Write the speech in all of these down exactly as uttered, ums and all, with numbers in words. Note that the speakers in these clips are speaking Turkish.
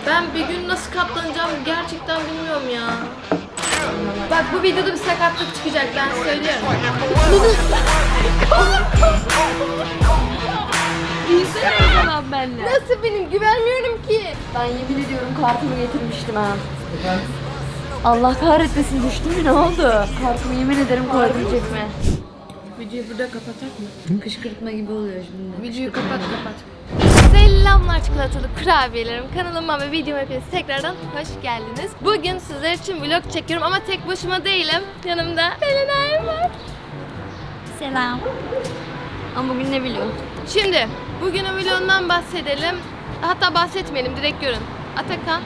Ben bir gün nasıl katlanacağım gerçekten bilmiyorum ya. Bak bu videoda bir sakatlık çıkacak, ben söylüyorum. Bilsene o zaman benimle. Nasıl benim? Güvenmiyorum ki. Ben yemin ediyorum kartımı getirmiştim ha. Allah kahretmesin, düştü mü, ne oldu? Kartımı yemin ederim koyabilecek mi? Videoyu burada kapatak mı? Kışkırtma gibi oluyor şimdi. Videoyu kapat kapat. Selamlar çikolatalı kurabiyelerim. Kanalıma ve videoma hepiniz tekrardan hoş geldiniz. Bugün sizler için vlog çekiyorum ama tek başıma değilim. Yanımda Selenay var. Selam. Ama bugün ne biliyor? Şimdi bugünün vlogundan bahsedelim. Hatta bahsetmeyelim, direkt görün. Atakan.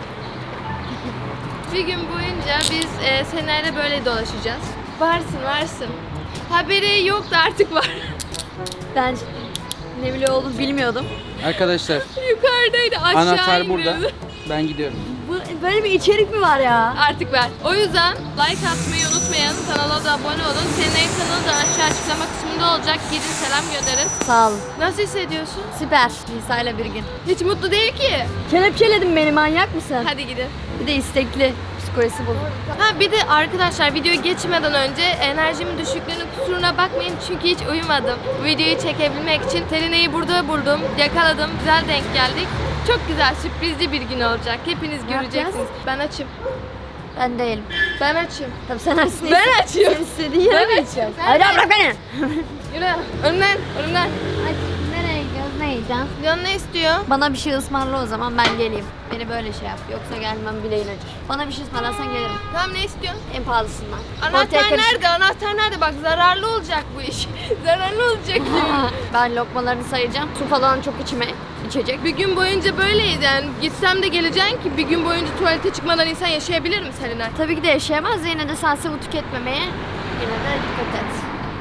Bir gün boyunca biz e, Selenay'la böyle dolaşacağız. Varsın varsın. Haberi yoktu, artık var. Ben ne biliyor olduğunu bilmiyordum. Arkadaşlar Yukarıdaydı, aşağı anahtar burada. iniyordu. Ben gidiyorum. Bu, böyle bir içerik mi var ya? Artık ver. O yüzden like atmayı unutmayın. Kanala da abone olun. Senin kanalı da aşağı açıklama kısmında olacak. Gidin selam gönderin. Sağ olun. Nasıl hissediyorsun? Süper. Nisa ile bir gün. Hiç mutlu değil ki. Kelepçeledin beni, manyak mısın? Hadi gidin. Bir de istekli. Psikolojisi bozuk. Ha bir de arkadaşlar, videoya geçmeden önce enerjimin düşüklüğünün kusuruna bakmayın çünkü hiç uyumadım. Bu videoyu çekebilmek için Selenay'ı burada buldum, yakaladım, güzel denk geldik. Çok güzel, sürprizli bir gün olacak. Hepiniz göreceksiniz. yapacağız? Ben açım. Ben değilim. Ben açım. Tabii sen açsın. Ben açıyorum. Sen istediğin yere Ben mi açıyorum. Sen Hayır de- bırak beni. Yürü. Önümden, önümden. Nereye gidiyoruz, ne yiyeceğim? Can ne istiyor? Bana bir şey ısmarla o zaman, ben geleyim. Beni böyle şey yap. Yoksa gelmem bileğin acır. Bana bir şey ısmarlarsan gelirim. Tamam, ne istiyorsun? En pahalısından. Anahtar Ortaya karışık. nerede? Anahtar nerede? Bak zararlı olacak bu iş. zararlı olacak. Ben lokmalarını sayacağım. Su falan çok içime içecek. Bir gün boyunca böyleyiz yani. Gitsem de geleceksin ki bir gün boyunca tuvalete çıkmadan insan yaşayabilir mi Selenay? Tabii ki de yaşayamaz. Yine de sen sıvı tüketmemeye yine de dikkat et.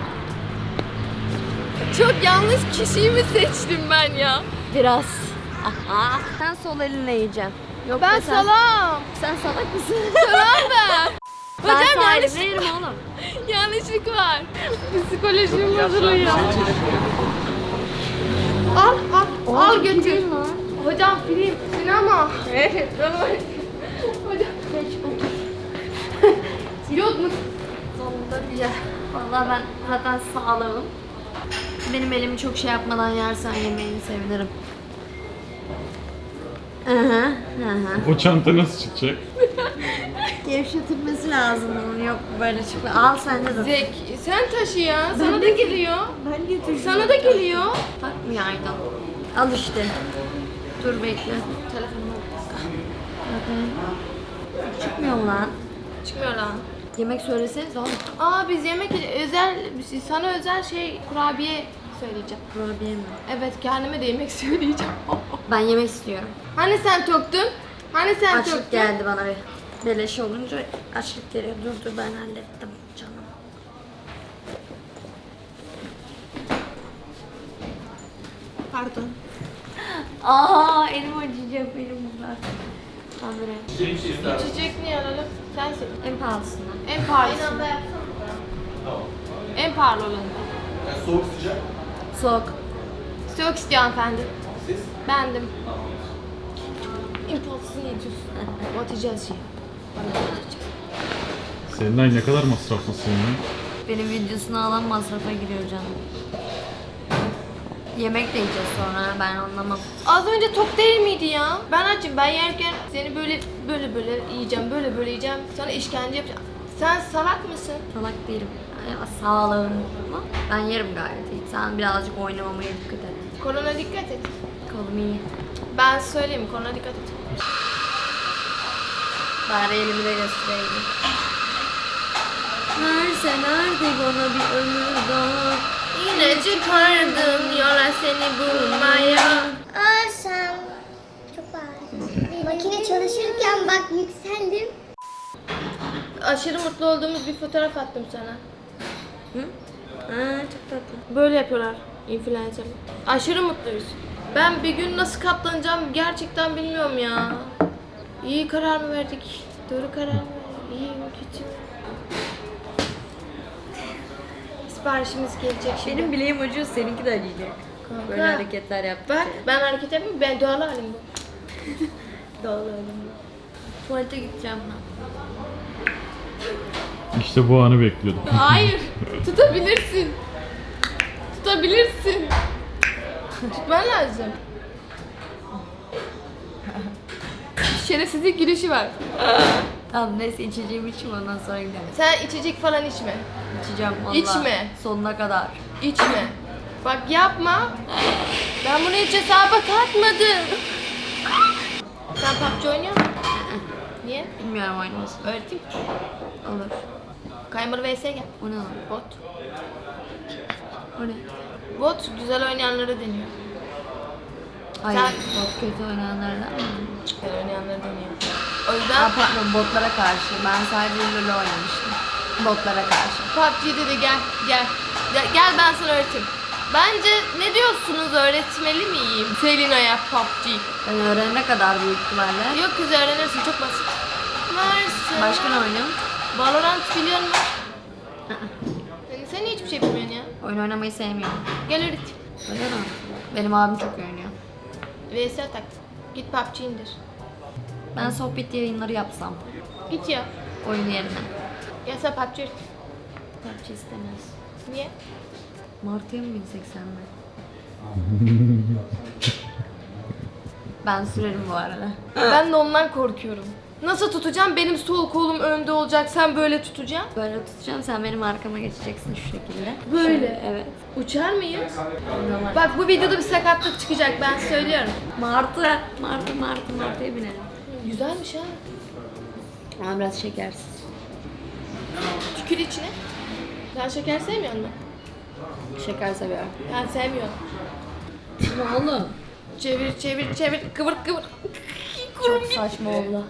Çok yanlış kişiyi mi seçtim ben ya? Biraz. Aha. Sen sol elinle yiyeceksin. Yok Ben be sen. salam. Sen salak mısın? Salam ben. Ben Hocam sağ yanlış, elimle yerim oğlum. yanlışlık var. Psikolojim bozuluyor. Al al al götür. Gideyim lan. Hocam film, sinema. Evet. Hocam. Geç otur. Yok mu? Sonunda bir yer. Vallahi ben zaten sağlığım. Benim elimi çok şey yapmadan yersen yemeğini sevinirim. Hı hı, hı hı. O çanta nasıl çıkacak? Gevşetilmesi lazım bunun, yok böyle çıkma. Al sen de dur. Zek, sen taşı ya. Sana da geliyor. Ben getirdim. Sana da geliyor. Takmıyor Aydan. Al işte. Dur bekle. Telefonuma Çıkmıyor lan. çıkmıyor lan. Yemek söyleseniz oğlum. Aa biz yemek özel, sana özel şey kurabiye söyleyeceğim. Kurabiye mi? Evet, kendime de yemek söyleyeceğim. Ben yemek istiyorum. Hani sen toktun? Hani sen Açlık toktun? geldi bana bir. Beleş olunca açlık geliyor. Dur dur, ben hallettim canım. Pardon. Aa, elim acıyacak benim bunlar. Habire. İçecek ne alalım? Sensin. En pahalısından. En pahalısı. En pahalı olanı. Soğuk sıcak. Soğuk. Soğuk istiyor hanımefendi. Siz? Bendim. İmpulsunu yiyeceğiz. Atacağız ya. Seninle ne kadar masraflısın ya? Benim videosunu alan masrafa giriyor canım. Yemek de yiyeceğiz sonra, ben anlamam. Az önce tok değil miydi ya? Ben açım. Ben yerken seni böyle böyle böyle yiyeceğim, böyle böyle yiyeceğim. Sana işkence yapacağım. Sen salak mısın? Salak değilim. Ya, sağlığım ama ben yerim gayet iyi. Sen birazcık oynamamaya dikkat et. Korona dikkat et. Kolum iyi. Ben söyleyeyim, korona dikkat et. Bari elimi de göstereyim. Verse nerede bana bir ömür daha. Yine çıkardım yola seni bulmaya. Arsam çok ağır. Makine çalışırken bak yükseldim. Aşırı mutlu olduğumuz bir fotoğraf attım sana. Hı? Aa, çok tatlı. Böyle yapıyorlar influencerlar. Aşırı mutluyuz. Ben bir gün nasıl katlanacağım gerçekten bilmiyorum ya. İyi karar mı verdik? Doğru karar mı verdik? İyi mi kötü mü? Siparişimiz gelecek şimdi. Benim bileğim acıyor, seninki de acıyacak. Böyle Ha. hareketler yaptıkça. Bak ben hareket yapmıyorum, ben doğal halim bu. Dağılalım. Tuvalete gideceğim ben. İşte bu anı bekliyordum. Hayır. Tutabilirsin. Tutabilirsin. Tutman lazım. Şerefsizlik gülüşü var. Tamam neyse içeceğim içeyim ondan sonra gidelim. Sen içecek falan içme. İçeceğim valla. İçme. Sonuna kadar. İçme. Bak yapma. Ben bunu hiç hesaba katmadım. Sen P U B G oynuyor musun? Niye? Bilmiyorum oynamasın. Öğreteyim. Olur. Kaymalı V S'ye gel. O ne lan? Bot. O ne? Bot güzel oynayanları deniyor. Hayır. Sen- Bot kötü oynayanlardan mı? Güzel oynayanları deniyor. O Ha yüzden pardon botlara karşı. Ben sadece LoL oynamıştım. Botlara karşı. P U B G'de de gel, gel. Gel, gel ben sana öğreteyim. Bence ne diyorsunuz, öğretmeli miyim? Selina'ya P U B G. Ben öğrenene kadar büyük ihtimalle. Yok kız öğrenirsin, çok basit. Varsın. Başka ne oynuyorum? Valorant biliyor musun? sen, sen hiçbir şey bilmiyorsun ya. Oyun oynamayı sevmiyorum. Gel öğret. Öyle mi? Benim abim çok iyi oynuyor. V S tak. Git P U B G indir. Ben sohbet yayınları yapsam. Git ya. Oyun yerine. Gel sen P U B G öğret. P U B G istemez. Niye? Martı'ya mı binsek senle? Ben sürerim bu arada. Ben de ondan korkuyorum. Nasıl tutacağım? Benim sol kolum önde olacak, sen böyle tutacaksın. Böyle tutacağım, sen benim arkama geçeceksin şu şekilde. Böyle? Şöyle, evet. Uçar mıyız? Normal. Bak bu videoda bir sakatlık çıkacak, ben söylüyorum. Martı, Martı, Martı, Martı'ya binelim. Güzelmiş ha. Ama biraz şekersiz. Tükür içine. Sen şeker sevmiyor musun? Şeker seviyorum. Ben sevmiyorum. Ne oğlum? Çevir çevir çevir kıvır kıvır. Çok saçma oldu.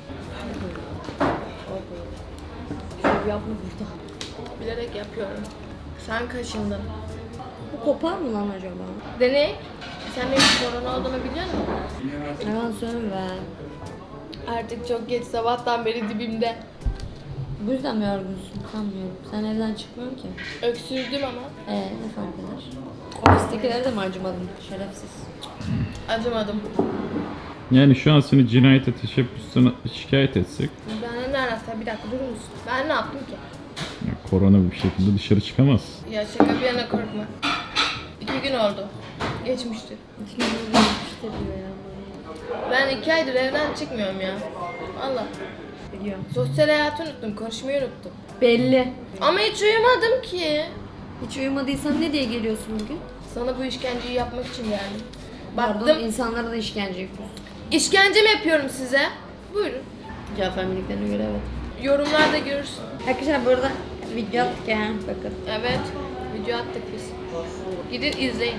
Şöyle yapma burada. Bilerek yapıyorum. Sen kaşındın. Bu kopar mı lan acaba? Deney. Sen benim korona olduğumu biliyor musun? Yalan söyleme. Artık çok geç, sabahtan beri dibimde. Bu yüzden mi yorgunsun? Sanmıyorum. Sen evden çıkmıyorsun ki. Öksürdüm ama. Ee ne fark eder? Ofistekileri de mi acımadın? Şerefsiz. Acımadım. Yani şu an seni cinayete teşebbüsüne şikayet etsek, Ben ne arasam bir dakika durur musun? Ben ne yaptım ki? ya korona bir şekilde dışarı çıkamaz. Ya şaka bir yana korkma. İki gün oldu. Geçmişti. İşte diyor ya. Ben iki aydır evden çıkmıyorum ya. Valla. Biliyorum. Sosyal hayatı unuttum, konuşmayı unuttum. Belli. Ama hiç uyumadım ki. Hiç uyumadıysan ne diye geliyorsun bugün? Sana bu işkenceyi yapmak için geldim. Pardon, Baktım, insanlara da işkence yapıyorsun. işkence mi yapıyorum size? Buyurun. Cafer miniklerine göre evet. Yorumlarda görürsün. Arkadaşlar burada video attık ya. Bakın. Evet, video attık biz. Gidin izleyin.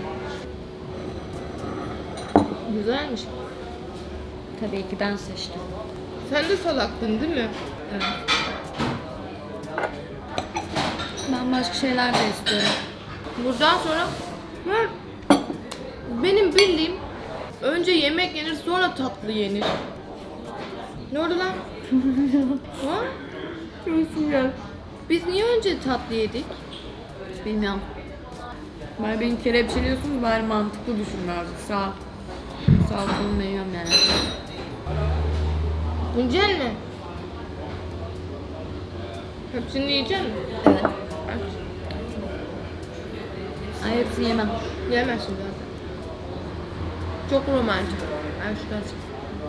Güzelmiş. Tabii ki ben seçtim. Sen de salaktın değil mi? Evet. Ben başka şeyler de istiyorum. Buradan sonra ben, benim bildiğim önce yemek yenir sonra tatlı yenir. Ne oldu lan? Ha? Biz niye önce tatlı yedik? Bilmiyorum. Bari beni kelepçeliyorsun, bari mantıklı düşün birazcık. Sağ Sağ kolumda yiyorum yani. Yiyecek mi? Hepsini yiyecek mi? Evet. Ay hepsini yemem. Yemezsin zaten. Çok romantik. Ay şuradan çık.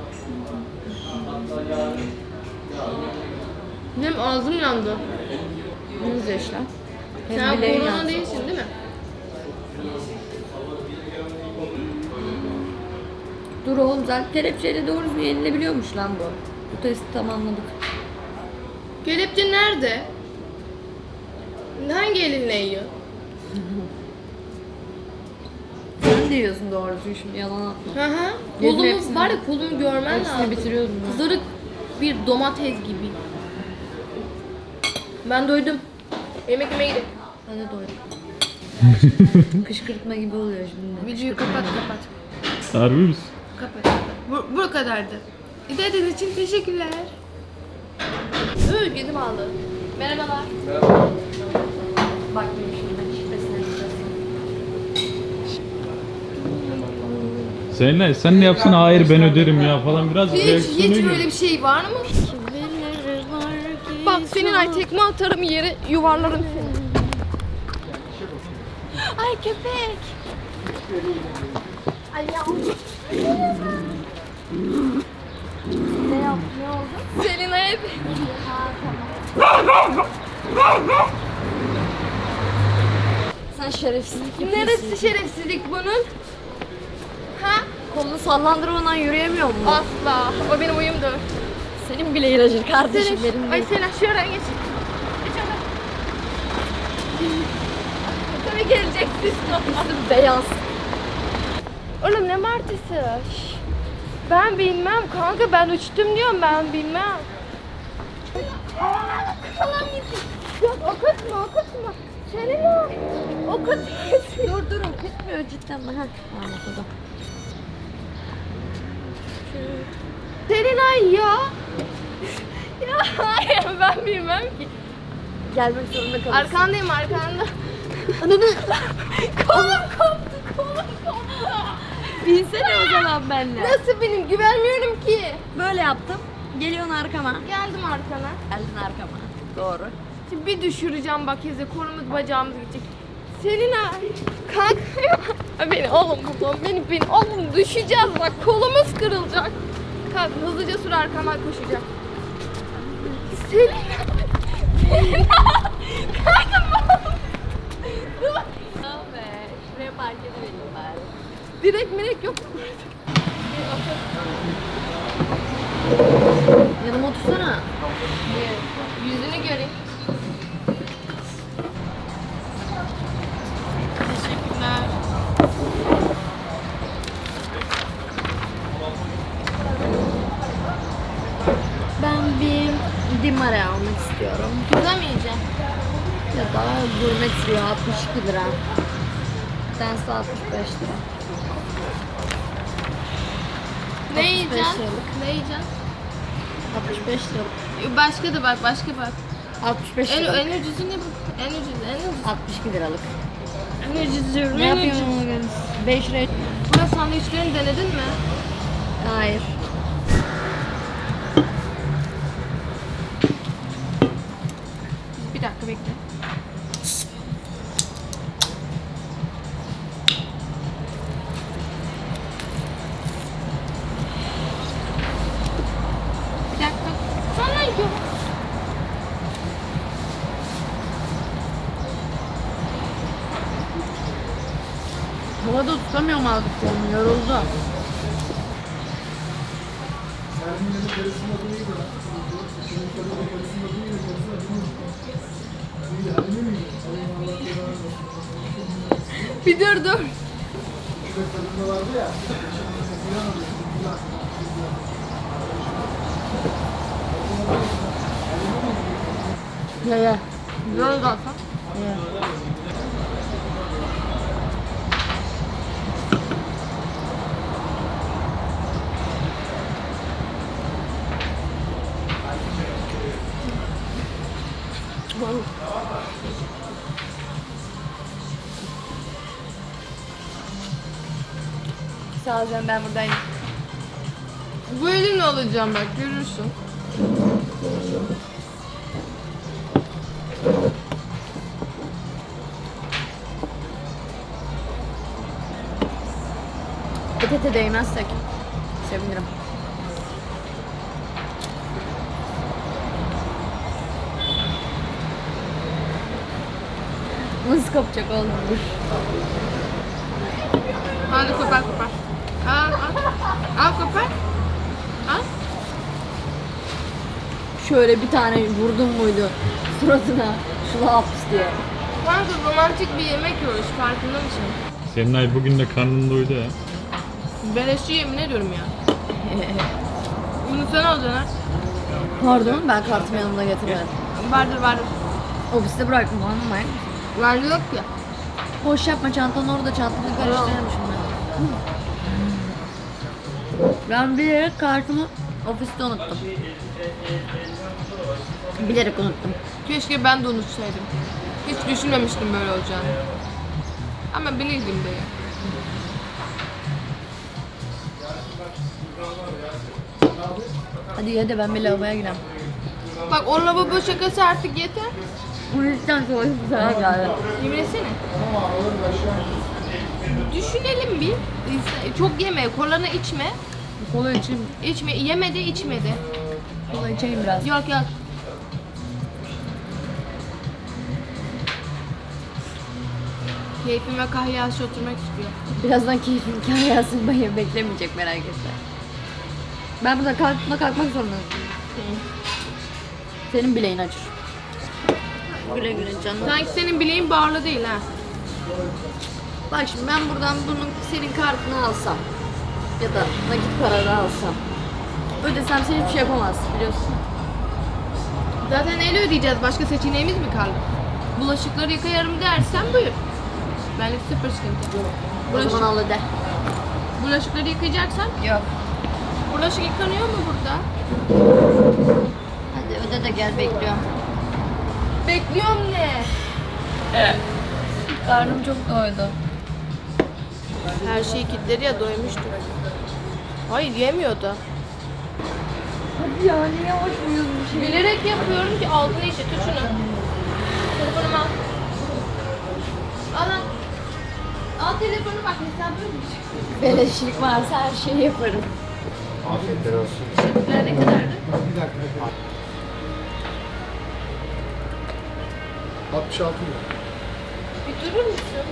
Benim ağzım yandı. Yüz yaşlar. Sen korona değilsin değil mi? Dur oğlum zaten kelepçeyle doğru düzgün yenilebiliyormuş lan bu. Bu testi tamamladık. Kelepçe nerede? Hangi elinle yiyor? Sen de yiyorsun doğru düzgün şimdi yalan atma. Hı hı. Yedim Kolumu hepsini. var ya, kolumu görmen Hepsini lazım. bitiriyordum ben. Kızarık bir domates gibi. Ben doydum. Yemek yemeye gidelim. Ben de doydum. Kışkırtma gibi oluyor şimdi. Videoyu kapat kapat. Harbi misin? Kapat kapat. Bu, bu kadardı. İzlediğiniz için teşekkürler. Öyle yedim aldı. Merhabalar. Bak benim şimdi şifresine gideceğiz. Selinay sen ne yapsın hayır ben öderim ya falan biraz Hiç, reaksiyona hiç gir. böyle bir şey var mı? Bak senin ay tekme atarım yere yuvarlarım seni. Ay köpek. Ay ya. Ne yap? Ne oldu? Selina'ya Sen şerefsizlik yapıyorsun. neresi şerefsizlik bunun? Ha? Kolunu sallandırmadan yürüyemiyor mu? Asla. O benim uyumdur. Senin bile ilacın kardeşim Selin, benim ay değil. Selin şuraya geç. Geç ona. Tabii geleceksin. Üstüm beyaz. Oğlum ne martısı? Şş. Ben bilmem kanka ben uçtum diyorum ben bilmem. Falan gitti. Yok okutma okutma. Selina okutma. Dur dur okutmuyor cidden. Ha. Tamam okudum. Selina ya. Ya hayır ben bilmem ki. Gelmek zorunda kalırsın. Arkandayım arkanda. Ananı. Kolum koptu kolum koptu. Binsene o zaman benimle. Nasıl benim güvenmiyorum ki. Böyle yaptım. Geliyorsun arkama. Geldim arkana. Geldin arkama. Doğru. Şimdi bir düşüreceğim bak izi kolumuz bacağımız gidecek. Selina kalk. Beni oğlum buradan beni beni oğlum düşeceğiz bak kolumuz kırılacak. Kalk hızlıca sür arkamdan koşacağım. Selina. Selina. Kalkın dur. Abi şuraya park edelim bari. Direkt mirek yok mu? Yanıma otursana. Yüzünü göreyim. Teşekkürler. Ben bir dimare almak istiyorum. Pizza mı yiyeceksin? Ya da gurme trio altmış iki lira. Bir tanesi altmış beş lira. Ne beş yiyeceksin? liralık. Ne yiyeceksin? altmış beş lira. Başka da bak, başka bak. altmış beş En, lira. en ucuzu ne bu? En ucuz, en ucuz. altmış iki liralık. En ucuz diyorum, Ne en yapıyorsun ucuz. bugün? beş lira. Burada sandviçlerini denedin mi? Hayır. Bir dakika bekle. Bir dakika. Sonra yiyorum. Havada tutamıyorum aldıklarımı. Yoruldu. Bir dur dur. Ye ye. Güzel oldu Hasan. Ye. Sağ ol canım ben buradayım. Bu elimle alacağım bak görürsün. Et ete değmezsek sevinirim. Nasıl kopacak oğlum dur. Hadi kopar kopar. Al al. Al kopar. Al. Şöyle bir tane vurdum muydu suratına şu laps diye. Kanka romantik bir yemek yiyoruz farkında mısın? Selinay bugün de karnın doydu ya. Beleşçi yemin ediyorum ya. Bunu sen alacaksın ha. Pardon ben kartımı yanımda getirmedim. Vardır vardır. Ofiste bıraktım ama Vardı yok ya. boş yapma çantanı orada çantanı karıştırmışım ben. Ben bilerek kartımı ofiste unuttum. Bilerek unuttum. Keşke ben de unutsaydım. Hiç düşünmemiştim böyle olacağını. Ama bilirdim de ya. Hadi ye de ben bir lavaboya gireyim. Bak o lavabo şakası artık yeter. Bu yüzden sonra güzel geldi. Yemin etsene. Düşünelim bir. Çok yeme, kolanı içme. Kola içeyim. İçme, yeme de içme de. Kola içeyim biraz. Yok yok. Keyfime kahyası oturmak istiyor. Birazdan keyfim kahyasını bayım beklemeyecek merak etme. Ben burada kalkma kalkmak zorundayım. Senin bileğin acır. Güle güle canım. Sanki senin bileğin bağlı değil ha. Bak şimdi ben buradan bunun senin kartını alsam ya da nakit para da alsam ödesem sen hiçbir şey yapamazsın biliyorsun. Zaten el ödeyeceğiz. Başka seçeneğimiz mi kaldı? Bulaşıkları yıkayarım dersen buyur. Benlik sıfır sıkıntı. O Bulaşık, zaman al öde. bulaşıkları yıkayacaksan Yok. bulaşık yıkanıyor mu burada? Hadi öde de gel bekliyorum. Bekliyorum ne? Karnım çok doydu. Her şeyi kilitledi ya doymuştur. Hayır yemiyordu. Hadi ya niye hoşmuyuz bir şey? Bilerek yapıyorum ki altına işe. Tut şunu. Telefonumu al. Al lan. Al telefonu bak hesabı ödeyecek. Beleşlik varsa her şeyi yaparım. Afiyetler olsun. Teşekkürler ne kadardı? altmış altı lira. Bir durur musun?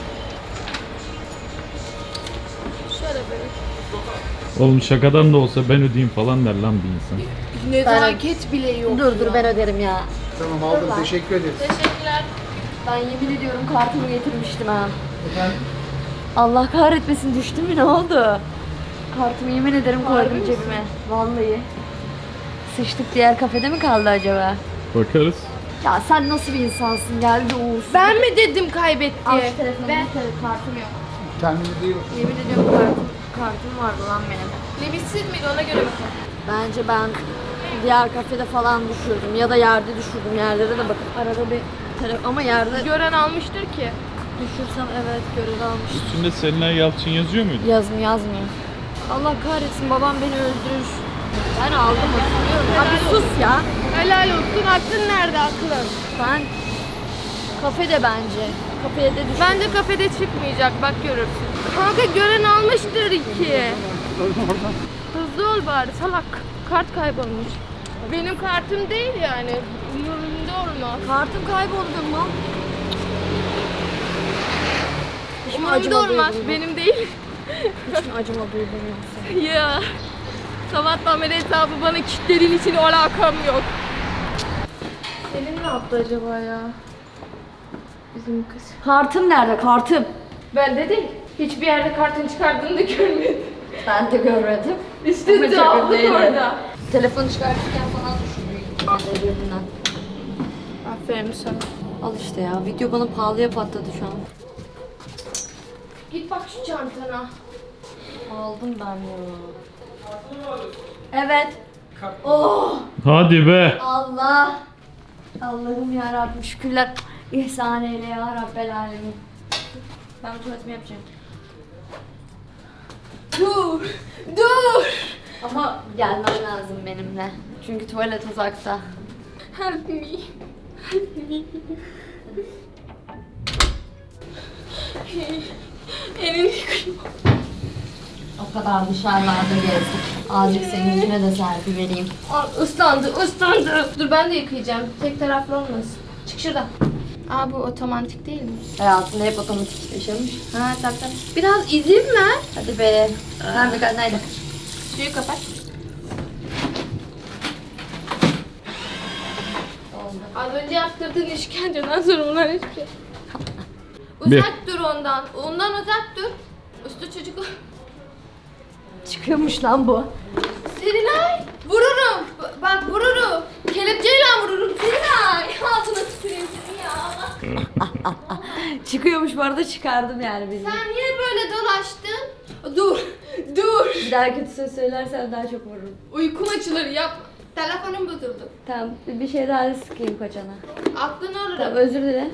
Şöyle böyle. Oğlum şakadan da olsa ben ödeyeyim falan der lan bir insan. Nezaket bile yok. Dur dur ben öderim ya. Tamam aldım. Teşekkür ederiz. Teşekkürler. Ben yemin ediyorum kartımı getirmiştim ha. Allah kahretmesin düştü mü ne oldu? Kartımı yemin ederim koydum cebime. Vallahi. Sıçtık diğer kafede mi kaldı acaba? Bakarız. Ya sen nasıl bir insansın geldi Uğuz. Ben mi dedim kaybetti? Al şu telefonu Ben. bir kere kartım yok. Kendinize iyi bakın. Yemin ediyorum kartım, kartım vardı lan benim. Limitsiz miydi ona göre bakalım. Bence ben diğer kafede falan düşürdüm ya da yerde düşürdüm yerlere de bakın arada bir telefon ama yerde Gören almıştır ki. düşürsem evet görev almış. Üstünde Selinay Yalçın yazıyor muydu? Yazmıyor yazmıyor. Allah kahretsin babam beni öldürür. Ben aldım hatırlıyorum. Abi sus ya. Helal olsun. Aklın nerede aklın? Ben kafede bence. Kafede düşürdüm. Bence kafede çıkmayacak bak görürsün. Kanka gören almıştır iki. Hızlı ol bari salak. Kart kaybolmuş. Benim kartım değil yani. Umurumda olmaz. Kartım kayboldu mu? Hiç mi Umurumda acıma olmaz. duydun mu? Benim değil. Hiç mi acıma duydun yoksa? Ya. Sabahtan beri hesabı bana kilitlediğin için alakam yok. Selin ne yaptı acaba ya? Bizim kız. Kartım nerede kartım? Ben de değil. Hiçbir yerde kartın çıkardığını da görmedim. Ben de görmedim. İşte Ama cevaplık çok önemli. orada. Telefonu çıkartırken falan düşürdüm birbirinden. Aferin sana. Al işte ya video bana pahalıya patladı şu an. Git bak şu çantana. Aldım ben ya. Evet. Oh Hadi be. Allah. Allah'ım ya Rabbim şükürler. İhsan eyle ya Rabbel alemin. Ben bu tuvaletimi yapacağım. Dur. Dur. Ama gelmen lazım benimle. Çünkü tuvalet uzakta. Help me. Help me. Elini yıkayım. O kadar dışarılarda gezdik. Azıcık senin yüzüne de serpi vereyim. Al, ıslandı, ıslandı. Dur ben de yıkayacağım. Tek taraflı olmasın. Çık şuradan. Aa bu otomatik değil mi? Hayatında hep otomatik yaşamış. Ha tabii tabii. Biraz izin ver. Hadi be. Nerede kal nerede? Suyu kapat. Oldu. Az önce yaptırdığın işkenceden sonra bunlar hiçbir şey. Bir. Uzak dur ondan. Ondan uzak dur. Üstü çocuk. Çıkıyormuş lan bu. Selinay! Vururum. B- bak vururum. Kelepçeyle vururum. Selinay! Ağzına tüküreyim seni ya. Çıkıyormuş bu arada çıkardım yani bizi. Sen niye böyle dolaştın? Dur. Dur. Bir daha kötü söz söylersen daha çok vururum. Uykum açılır yap. Telefonum bozuldu. Tamam bir şey daha sıkayım kocana. Aklını alırım. Tamam özür dile.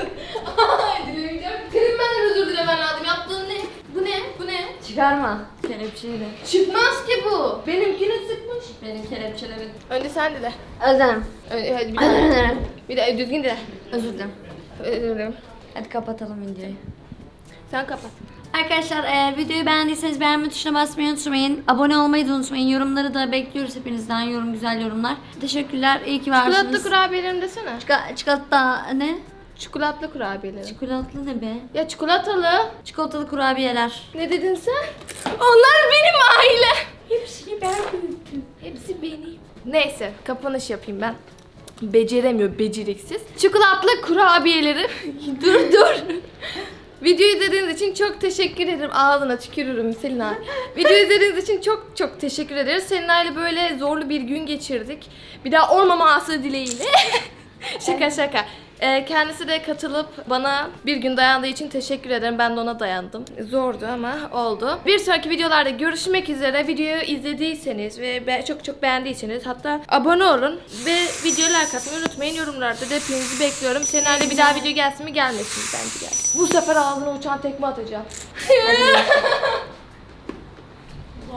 Ay dilemeyeceğim. Senin benden özür dilemen lazım. Yaptığın ne? Bu ne? Bu ne? Çıkarma. kelepçeyle. Çıkmaz ki bu. Benimkini sıkmış. Benim kelepçelerim. Önce sen dile. Özlem. Ö- hadi bir Özür daha. dilerim. Bir de düzgün dile. Özür dilerim. Özür dilerim. Hadi kapatalım videoyu. Sen kapat. Arkadaşlar eğer videoyu beğendiyseniz beğenme tuşuna basmayı unutmayın. Abone olmayı da unutmayın. Yorumları da bekliyoruz hepinizden. Yorum güzel yorumlar. Teşekkürler. İyi ki varsınız. Çikolatlı kurabiyelerim desene. Çika- çikolata ne? Çikolatlı kurabiyelerim. Çikolatlı ne be? Ya çikolatalı. Çikolatalı kurabiyeler. Ne dedin sen? Onlar benim aile. Hepsini ben büyüttüm. Hepsi benim. Neyse kapanış yapayım ben. Beceremiyor beceriksiz. Çikolatlı kurabiyelerim. dur dur. Videoyu izlediğiniz için çok teşekkür ederim. Ağzına tükürürüm Selina. Videoyu izlediğiniz için çok çok teşekkür ederiz. Selina ile böyle zorlu bir gün geçirdik. Bir daha olmaması dileğiyle. Şaka şaka. Ee, kendisi de katılıp bana bir gün dayandığı için teşekkür ederim. Ben de ona dayandım. Zordu ama oldu. Bir sonraki videolarda görüşmek üzere. Videoyu izlediyseniz ve be- çok çok beğendiyseniz hatta abone olun ve videoya like atmayı unutmayın. Yorumlarda da hepinizi bekliyorum. Seninle bir daha video gelsin mi gelmesin mi? Bence gelsin. Bu sefer ağzına uçan tekme atacağım.